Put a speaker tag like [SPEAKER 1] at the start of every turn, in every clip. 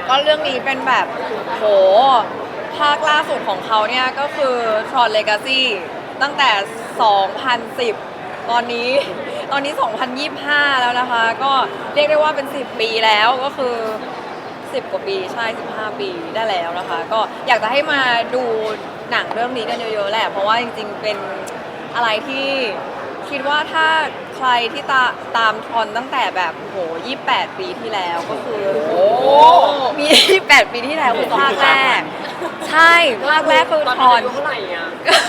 [SPEAKER 1] ก็เรื่องนี้เป็นแบบโหภาคล่าสุดของเขาเนี่ยก็คือ Tron Legacy ตั้งแต่ 2010 ตอนนี้ 2025 แล้วนะคะ ก็เรียกได้ว่าเป็น 10 ปีแล้วก็คือ 10 กว่าปีใช่ 15 ปีได้แล้วนะคะ ก็อยากจะให้มาดูหนังเรื่องนี้กันเยอะๆแหละ เพราะว่าจริงๆเป็นอะไรที่คิดว่าถ้าใครที่ตามทอนตั้งแต่แบบโห28 ปีที่แล้วก็คือโอ้มี 28 ปีที่แล้วคือภาคแรก ใช่ภาคแรกคือทอน
[SPEAKER 2] อายุเท่าไหร่อ่ะ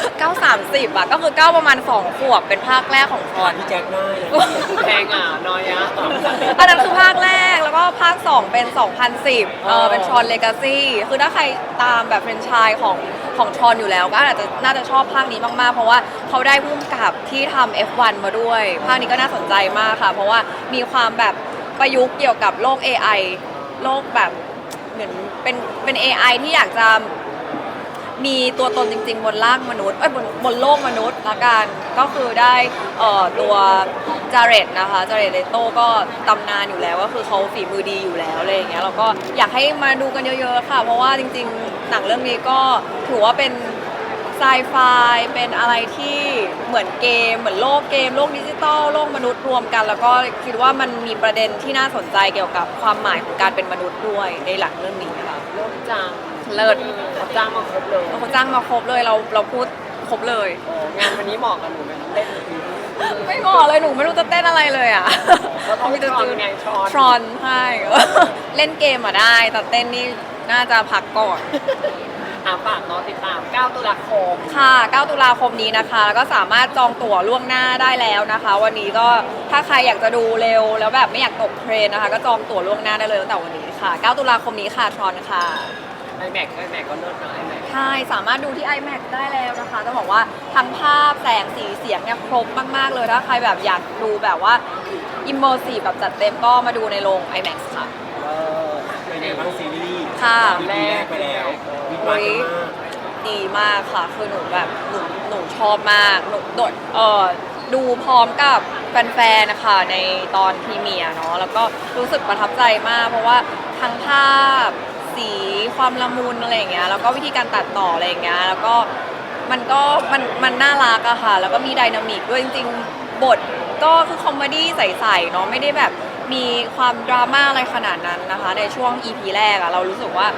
[SPEAKER 1] 930อะก็คือ9ประมาณ2 ขวบเป็นภาคแรกของทอน
[SPEAKER 3] พี่แจ็คได้
[SPEAKER 2] แพงอ่ะน้อยอ่ะ
[SPEAKER 1] อันนั้นคือภาคแรกแล้วก็ภาค 2 เป็น 2010เป็น Tron Legacy คือถ้าใครตามแบบแฟรนไชส์ของ Tron อยู่แล้วก็น่าจะชอบภาคนี้มากๆ เพราะว่าเขาได้พุ่มกับที่ทำ F1 มาด้วย ภาคนี้ก็น่าสนใจมากค่ะ เพราะว่ามีความแบบประยุกต์เกี่ยวกับโลก AI โลกแบบเหมือนเป็น AI ที่อยากจะมีตัวตนจริงๆบนร่างมนุษย์บนโลกมนุษย์ละกันก็คือได้ตัวจาเรตนะคะจาเรตเลโต้ก็ตำนานอยู่แล้วก็คือเขาฝีมือดีอยู่แล้วอะไรอย่างเงี้ยเราก็อยากให้มาดูกันเยอะๆค่ะเพราะว่าจริงๆหนังเรื่องนี้ก็ถือว่าเป็นไซไฟเป็นอะไรที่เหมือนเกมเหมือนโลกเกมโลกดิจิตอลโลกมนุษย์รวมกัน แล้วก็คิดว่ามันมีประเด็นที่น่าสนใจเกี่ยวกับความหมายของการเป็นมนุษย์ด้วยในหลังเรื่องนี้ค่ะ
[SPEAKER 2] เริ่มจัง
[SPEAKER 1] เลิศ
[SPEAKER 2] เขาจ้างมาครบเลย
[SPEAKER 1] เขาจ้างมาครบเลยเราพูดครบเลย
[SPEAKER 2] โอ้งานวันนี้เหมาะกับหนูไหมเต้น
[SPEAKER 1] ไม่เหมาะเลยหนูไม่รู้จะเต้นอะไรเลยอ่ะ
[SPEAKER 2] ก็ต้องมีทรอนไงทรอน
[SPEAKER 1] ทรอนใช่ เล่นเกมอ่ะได้แต่เต้นนี่น่าจะพักก่อน
[SPEAKER 2] ฝากเนาะติดตาม 9 ตุลาคม
[SPEAKER 1] ค่ะ 9 ตุลาคมนี้นะคะ แล้วก็สามารถจองตั๋วล่วงหน้าได้แล้วนะคะ วันนี้ก็ถ้าใครอยากจะดูเร็วแล้วแบบไม่อยากตกเทรนนะคะ ก็จองตั๋วล่วงหน้าได้เลยตั้งแต่วันนี้ค่ะ 9 ตุลาคมนี้ค่ะทรอนค่ะ
[SPEAKER 2] iMac ก็เลิศนะ iMac
[SPEAKER 1] ใช่สามารถดูที่ iMac ได้แล้วนะคะต้องบอกว่าทั้งภาพแสงสีเสียงเนี่ยครบมากๆเลยถ้าใครแบบอยากดูแบบว่า immersive แบบจัดเต็มก็มาดูในโรง IMAX ค่ะ
[SPEAKER 3] เป็นไงบ้างซีรีส์
[SPEAKER 1] ค่ะ
[SPEAKER 3] ปีแรกไปแล้วมีมากันมาก
[SPEAKER 1] ดีมากค่ะ คือหนูแบบหนูชอบมากหนูโดดดูพร้อมกับแฟนๆนะคะในตอนพรีเมียร์เนาะแล้วก็รู้สึกประทับใจมาก เพราะว่าทั้งภาพสีความละมุนอะไรอย่างเงี้ยแล้วก็วิธีการตัดต่ออะไรอย่างเงี้ยแล้วก็มันน่ารักอะค่ะ แล้วก็มีไดนามิกด้วยจริงๆบทก็คือคอมเมดี้ใสๆเนาะไม่ได้แบบมีความดราม่าอะไรขนาดนั้นนะคะในช่วง EP แรกอะเรารู้สึกว่า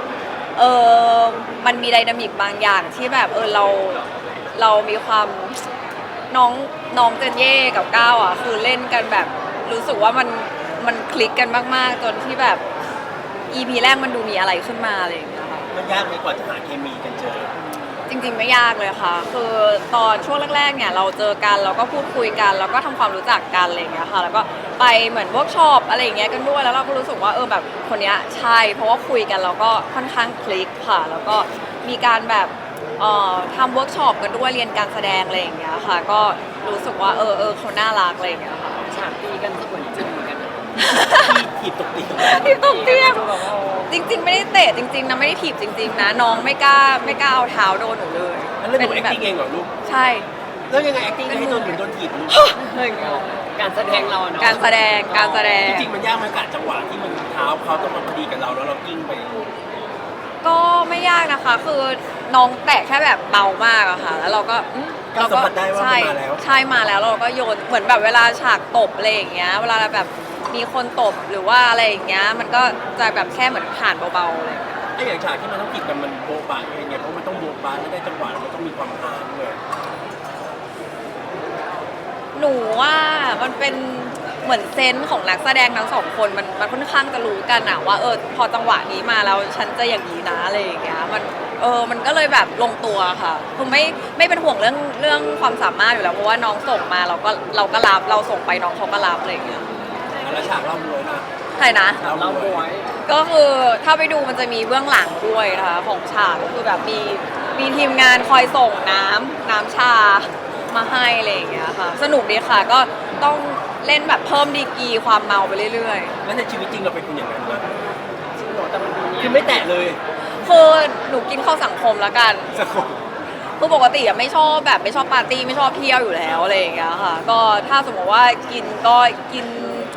[SPEAKER 1] มันมีไดนามิกบางอย่างที่แบบเรามีความน้องเจนเย่กับก้าวอ่ะคือเล่นกันแบบรู้สึกว่ามันคลิกกันมากๆจนที่แบบ EP แรกมันดูมีอะไรขึ้นมาอะไรอย่างเงี้ยค่ะ
[SPEAKER 3] มันยากไหมกว่าจะหาเคมีกันเจอ
[SPEAKER 1] จริงๆไม่ยากเลยค่ะ คือตอนช่วงแรกๆเนี่ยเราเจอกันเราก็พูดคุยกันแล้วก็ทำความรู้จักกันอะไรอย่างเงี้ยค่ะแล้วก็ไปเหมือนเวิร์กช็อปอะไรอย่างเงี้ยกันด้วยแล้วเราก็รู้สึกว่าแบบคนเนี้ยใช่เพราะว่าคุยกันเราก็ค่อนข้างคลิกค่ะแล้วก็มีการแบบทำเวิร์กช็อปกันด้วยเรียนการแสดงอะไรอย่างเงี้ยค่ะก็รู้สึกว่าเขาน่ารักอะไรอย่างเงี้ยค่ะ
[SPEAKER 2] ฉากตีกันสมุนจริงเหมือนกันนะ
[SPEAKER 3] ที่ถีบตกตี
[SPEAKER 1] ที่ตกเตียง
[SPEAKER 2] ดูแบบว่า
[SPEAKER 1] จริง ๆ ไม่ได้เตะจริงๆนะไม่ได้ถีบจริงๆนะน้องไม่กล้าเอาเท้าโดนหนูเลย
[SPEAKER 3] แล้วหนู acting เองเหรอลูก
[SPEAKER 1] ใช่
[SPEAKER 3] แล้วยังไง acting ให้โดนโดนถีบลูก
[SPEAKER 2] การแสดงเราเนาะ
[SPEAKER 1] การแสดง
[SPEAKER 3] จริงๆมันยากไหมกะจังหวะที่มันเท้าเขาต้องมาพอดีกับเราแล้วเรากิ้งไป
[SPEAKER 1] ก็ไม่ยากนะคะ คือน้องแตะแค่แบบเบามากอะค่ะ แล้วเราก็
[SPEAKER 3] ก็สัมผัสได้ว่ามัน
[SPEAKER 1] ใช่
[SPEAKER 3] มาแล้ว
[SPEAKER 1] ใช่มาแล้วเราก็โยนเหมือนแบบเวลาฉากตบอะไรอย่างเงี้ยเวลาแบบมีคนตบหรือว่าอะไรอย่างเงี้ยมันก็จะแบบแค่เหมือนผ่านเบาๆเลย
[SPEAKER 3] ไอ้อย่างฉากที่มันต้องถีบกันมันโบ๊ะบะยังไงเพราะมันต้องโบ๊ะบะไม่ได้จังหวะมันต้องมีความฮาด้วย
[SPEAKER 1] หนูว่ามันเป็นเหมือนเซนส์ของนักแสดงทั้งสองคนมันค่อนข้างจะรู้กันอะว่าพอจังหวะนี้มาแล้วฉันจะอย่างนี้นะอะไรอย่างเงี้ยมันก็เลยแบบลงตัวค่ะคือไม่เป็นห่วงเรื่องความสามารถอยู่แล้วเพราะว่าน้องส่งมาเราก็รับเราส่งไปน้องเขาก็รับอะไรอย่างเงี้ย
[SPEAKER 3] แล้วฉากเล่ามวยนะ
[SPEAKER 1] ใช่นะ
[SPEAKER 2] เราบวย
[SPEAKER 1] ก็คือถ้าไปดูมันจะมีเบื้องหลังด้วยนะคะของฉากก็คือแบบมีทีมงานคอยส่งน้ำชามาให้อะไรอย่างเงี้ยค่ะสนุกดีค่ะก็ต้องเล่นแบบเพิ่มดีกรีความเมาไปเรื่อย
[SPEAKER 3] แล้วในชีวิตจริงเราเป็นคนอย่างนั้นไหม
[SPEAKER 2] จริงเหรอแต่มันดูเนี่ย
[SPEAKER 3] คือไม่แตะเลย
[SPEAKER 1] ๆคือหนูกินเข้าสังคมแล้วกัน
[SPEAKER 3] สักคน
[SPEAKER 1] คือปกติอะไม่ชอบปาร์ตี้ไม่ชอบเที่ยวอยู่แล้วอะไรอย่างเงี้ยค่ะก็ถ้าสมมติว่ากินก็กินแอ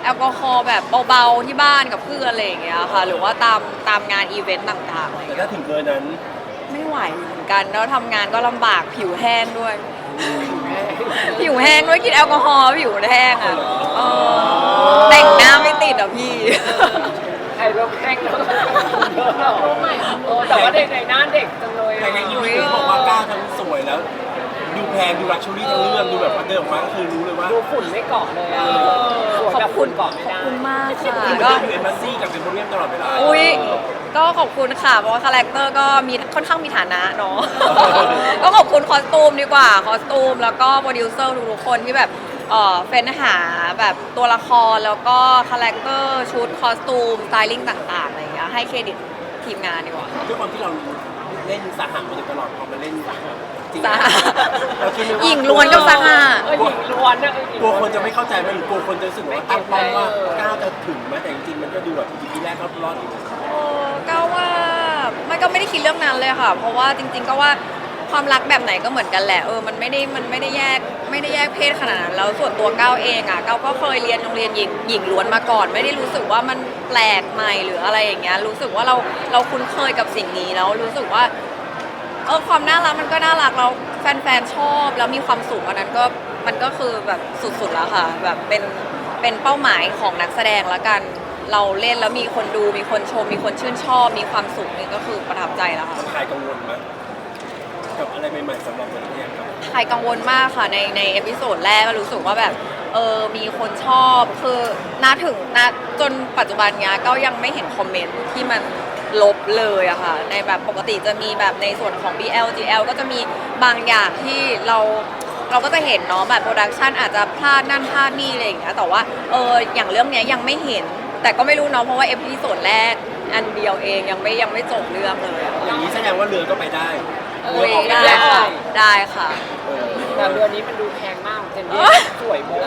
[SPEAKER 1] ลกอฮอล์แบบเบาๆที่บ้านกับเพื่อนอะไรอย่างเงี้ยค่ะหรือว่าตามงานอีเวนต์ต่างๆอะไรอย่าง
[SPEAKER 3] แต่
[SPEAKER 1] เงี้ย
[SPEAKER 3] ถ้าถึงเบอร์นั้น
[SPEAKER 1] ไม่ไหวเหมือนกันแล้วทำงานก็ลำบากผิวแห้งด้วย ผิวแห้งด้วยกินแอลกอฮอล์ผิวแห้งอ่ะเออแต่งหน้าไม่ติดอ่ะพี่
[SPEAKER 2] ใครเริ่มแข่งแล้วรู้ใหม่แต่ว่าในหน้าเด็กจังเลย
[SPEAKER 3] แต่ในอีเวนต์บอกว่าก้าวทั้งสวยแล้ว ดูแพงดูลักชัวรี่ทั้งเรื่องดูแบบว่าเดินออกมาก็คือรู้เลยว่า
[SPEAKER 2] ดูฝุ่นไม่เกาะเลยอ่ะสวย
[SPEAKER 1] ขอ
[SPEAKER 2] แบบ
[SPEAKER 1] บคุ
[SPEAKER 2] ฝุ่
[SPEAKER 1] ณ
[SPEAKER 2] นเกาะไม่
[SPEAKER 1] ขอบ
[SPEAKER 2] ได้
[SPEAKER 1] คุณมาก
[SPEAKER 3] คือ
[SPEAKER 1] ค่ะ
[SPEAKER 3] มัน
[SPEAKER 1] ก็
[SPEAKER 3] จะอยู่เอมบาซี่กับเซมโพเรียมตลอดเวลา
[SPEAKER 1] อุ้ยก็ขอบคุณค่ะเพราะว่าคาแรคเตอร์ก็มีค่อนข้างมีฐานะเนาะ ก็ขอบคุณคอสตูมดีกว่าคอสตูมแล้วก็โปรดิวเซอร์ทุกๆคนที่แบบเฟ้นหาแบบตัวละครแล้วก็คาแรคเตอร์ชุดคอสตูมสไตลิ่งต่างๆอะไรอย่างเงี้ยให้เครดิตทีมงานดีกว่า
[SPEAKER 3] ด้วยความที่เราเล่นสาหัสมาโดยตลอดพอมาเล่นจริง
[SPEAKER 1] สาหะ
[SPEAKER 3] เราคิดไหมว่า
[SPEAKER 1] หญิงล้วนกับสหะ
[SPEAKER 2] หญิงล้วนนะ
[SPEAKER 3] กลัวคนจะไม่เข้าใจไหมหรือกลัวคนจะรู้สึกว่าตั้งเป้าว่าก้าวจะถึงไหมแต่จริงๆมันก็ดูแบบทีแรกก็รอดอยู่
[SPEAKER 1] ก็ว่ามันก็ไม่ได้คิดเรื่องนั้นเลยค่ะ เพราะว่าจริงๆก็ว่าความรักแบบไหนก็เหมือนกันแหละมันไม่ได้แยกเพศขนาดนั้นแล้วส่วนตัวก้าวเองอ่ะก้าวก็เคยเรียนโรงเรียนหญิงล้วนมาก่อน ไม่ได้รู้สึกว่ามันแปลกใหม่หรืออะไรอย่างเงี้ยรู้สึกว่าเราคุ้นเคยกับสิ่งนี้แล้วรู้สึกว่าความน่ารักมันก็น่ารักแล้วแฟนๆชอบแล้วมีความสุขอันนั้นก็มันก็คือแบบสุดๆแล้วค่ะแบบเป็นเป้าหมายของนักแสดงละกันเราเล่นแล้วมีคนดูมีคนชมมีคนชื่นชอบมีความสุขนี่ก็คือประทับใจแล้วค่ะ
[SPEAKER 3] มันคลายกังวลไหมกับอะไรใหม่ๆสำหรับเราเนี่ยครับ
[SPEAKER 1] ใครกังวลมากค่ะในเอพิโซดแรกก็รู้สึกว่าแบบมีคนชอบคือจนปัจจุบันเนี้ยก็ยังไม่เห็นคอมเมนต์ที่มันลบเลยอะค่ะในแบบปกติจะมีแบบในส่วนของ BL GL ก็จะมีบางอย่างที่เราก็จะเห็นเนาะแบบโปรดักชันอาจจะพลาดนั่นพลาดนี่อะไรอย่างเงี้ยแต่ว่าอย่างเรื่องเนี้ยยังไม่เห็น แต่ก็ไม่รู้เนาะเพราะว่าเอพิโซดแรกอันเดียวเองยังไม่จบเรื่องเลยอะ
[SPEAKER 3] อย่างนี้แสดงว่าเรือก็ไปได้
[SPEAKER 1] คุยได้ค่ะได้ค่ะ
[SPEAKER 2] แต่เรือนี้มันดูแพงมากเจนนี่สวยมาก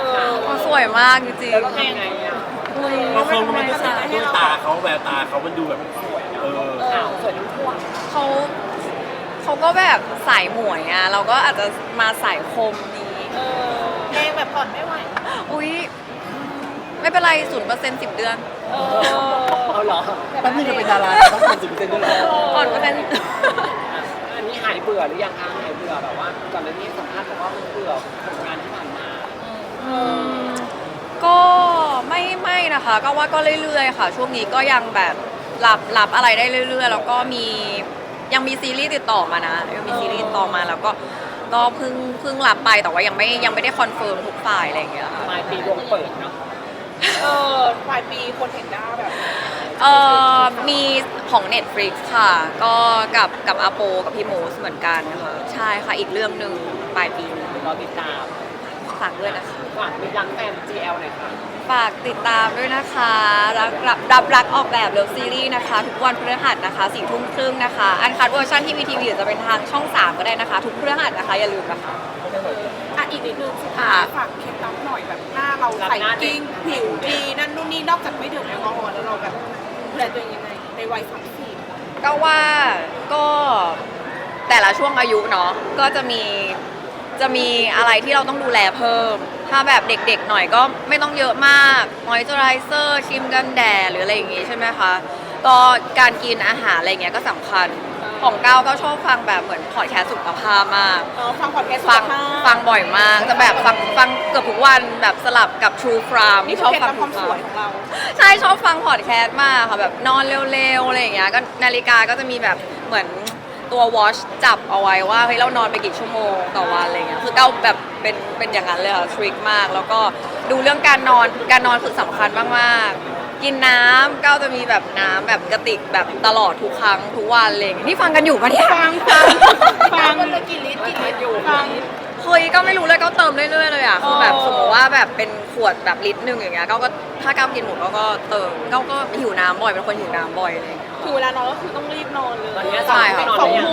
[SPEAKER 1] เขาสวยมากจริง
[SPEAKER 2] แล้วเราทำไงอ่ะ
[SPEAKER 3] บางคนมันก็ใส่ด้วยตาเขาแววตาเขามันดูแบบ
[SPEAKER 2] ขาวสวยทั้งพวง
[SPEAKER 1] เขาก็แบบสายหมวยอ่ะเราก็อาจจะมาสายคมนี้
[SPEAKER 4] เพลงแบบผ่อนไม่ไหว
[SPEAKER 1] อุ๊ยไม่เป็นไร0% 10 เดือน
[SPEAKER 2] เอาเหรอ
[SPEAKER 3] แป๊บนึงจะเป็นดาราต้องเป็น10%ด้วยเหรอ
[SPEAKER 1] ก่อนเปอร์เซ็นต์
[SPEAKER 2] อันนี้หายเบื่อหรือยังคะหายเบื่อแบบว่าก่อนหน้านี้สัมภาษณ์บอกว่ามันเบื่อผลงานที่ผ่านมา
[SPEAKER 1] ก็ไม่นะคะก็ว่าก็เรื่อยๆค่ะ ช่วงนี้ก็ยังแบบรับอะไรได้เรื่อยๆแล้วก็ยังมีซีรีส์ติดต่อมานะยังมีซีรีส์ติดต่อมาแล้วก็เพิ่งรับไปแต่ว่ายังไม่ได้คอนเฟิร์มทุกฝ่ายอะไรอย่างเงี้ยค่ะ
[SPEAKER 2] ปลายปีดวงเปิดเนาะ
[SPEAKER 4] ปลายปีคนเห็นได้แบบ
[SPEAKER 1] มีของ Netflix ค่ะ ก็กับอาโปกับพี่โมสเหมือนกันค่ะใช่ค่ะอีกเรื่องหนึ่งปลายปีนี้
[SPEAKER 2] เราติดตาม
[SPEAKER 1] ฝากด้วยนะคะ
[SPEAKER 2] ฝากมีรังแฟน GL หน่อยค่ะ
[SPEAKER 1] ฝากติดตามด้วยนะคะรักออกแบบเลิฟซีรีส์นะคะ ทุกวันพฤหัสนะคะ22:30นะคะ อันคัดเวอร์ชันที่วีทีวีจะเป็นทางช่อง 3 ก็ได้นะคะ ทุกพฤหัสนะคะ อย่าลืมนะคะ
[SPEAKER 4] อีกนิดนึงสุดท้ายฝากเคล็ดลับหน่อยแบบหน้าเราใสกิ้งผิวดีนั่นนู่นนี่นอกจากไม่ดื่มแอลกอฮอล์แล้วเราแบบดูแลตัวเองยังไงในวัย30
[SPEAKER 1] ก็ว่าก็แต่ละช่วงอายุเนาะก็จะมีอะไรที่เราต้องดูแลเพิ่ม ถ้าแบบเด็กๆหน่อยก็ไม่ต้องเยอะมากมอยเจอไรเซอร์ครีมกันแดดหรืออะไรอย่างงี้ใช่ไหมคะก็การกินอาหารอะไรเงี้ยก็สำคัญของก้าวก็ชอบฟังแบบเหมือนพอดแคสต์สุขภาพมาก
[SPEAKER 4] ฟังพอดแคสต์
[SPEAKER 1] ฟังบ่อยมากจะแบบฟังเกือบทุกวันแบบสลับกับ True Crime
[SPEAKER 4] นี่
[SPEAKER 1] ช
[SPEAKER 4] ช
[SPEAKER 1] อ
[SPEAKER 4] อ
[SPEAKER 1] บบ ฟั
[SPEAKER 4] ฟั
[SPEAKER 1] ง
[SPEAKER 4] งความสวยของเรา
[SPEAKER 1] ใช่ชอบฟังพอดแคสต์มากค่ะแบบนอนเร็วๆอะไรอย่างเงี้ยก็นาฬิกาก็จะมีแบบเหมือนตัว watch จับเอาไว้ว่าเฮ้ยเรานอนไปกี่ชั่วโมงต่อวันอะไรเงี้ยคือก้าวแบบเป็นอย่างนั้นเลยค่ะทริคมากแล้วก็ดูเรื่องการนอนคือสำคัญมากๆกินน้ำก้าวจะมีแบบน้ำแบบกระติกแบบตลอดทุกครั้งทุกวันอะไรเลยนี่ฟังกันอยู่ปะเนี่ย
[SPEAKER 4] ฟังวันละกี่ลิตรฟัง
[SPEAKER 1] เฮ้ยก็ไม่รู้เลยก็เติมเรื่อยๆเลยอ่ะคือแบบสมมติว่าแบบเป็นขวดแบบลิตรหนึ่งอย่างเงี้ยก็ถ้าก้าวกินหมดก็เติมก็หิวน้ำบ่อยเป็นคนหิวน้ำบ่อยอะไรอย่างเงี้ย
[SPEAKER 4] คือเวลานอนก็คือต้องรีบนอนเลย
[SPEAKER 2] ตอนนี้
[SPEAKER 1] ใช่
[SPEAKER 2] ไม่
[SPEAKER 1] ค่ะ
[SPEAKER 2] นอนเลย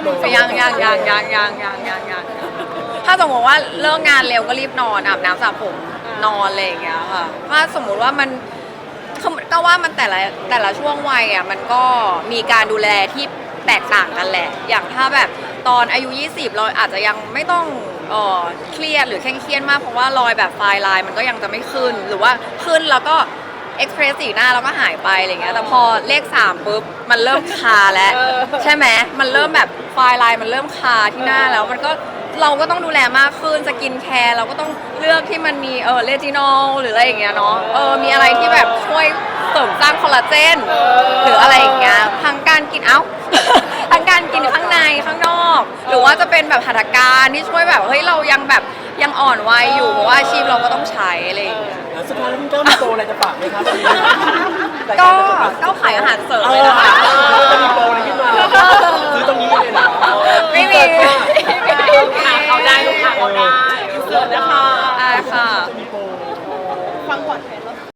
[SPEAKER 1] ยังถ้าสมมติว่าเลิกงานเร็วก็รีบนอนอาบน้ำสระผมนอนอะไรอย่างเงี้ยค่ะถ้าสมมุติว่ามันก็ว่ามันแต่ละช่วงวัยอ่ะมันก็มีการดูแลที่แตกต่างกันแหละ อย่างถ้าแบบตอนอายุ 20 เราอาจจะยังไม่ต้องเครียดหรือเคร่งเครียดมากเพราะว่ารอยแบบไฟล์ไลน์มันก็ยังจะไม่ขึ้นหรือว่าขึ้นแล้วก็เอ็กซ์เพรสสีหน้าแล้วก็หายไปอะไรเงี้ยแต่พอเลข3ปุ๊บมันเริ่มคาแล้วใช่ไหมมันเริ่มแบบไฟล์ไลน์มันเริ่มคาที่หน้าแล้วมันก็เราก็ต้องดูแลมากขึ้นสกินแคร์เราก็ต้องเลือกที่มันมีเรจินอลหรืออะไรอย่างเงี้ยเนาะมีอะไรที่แบบช่วยเสริมสร้างคอลลาเจนหรืออะไรอย่างเงี้ยทั้งการกินทั้งการกินข้างในข้างนอก หรือว่าจะเป็นแบบหัตถการที่ช่วยแบบเฮ้ยเรายังแบบยังอ่อนวัยอยู่เพราะว่าอาชีพเราก็ต้องใช้อะไรอย่างเงี้ย
[SPEAKER 3] แล้วสุดท้ายแล้วคุณก้าวมีโตอะไรจะฝากไหมครับวันนี้
[SPEAKER 1] ก็ขายอาหารเสริมเลยนะคะ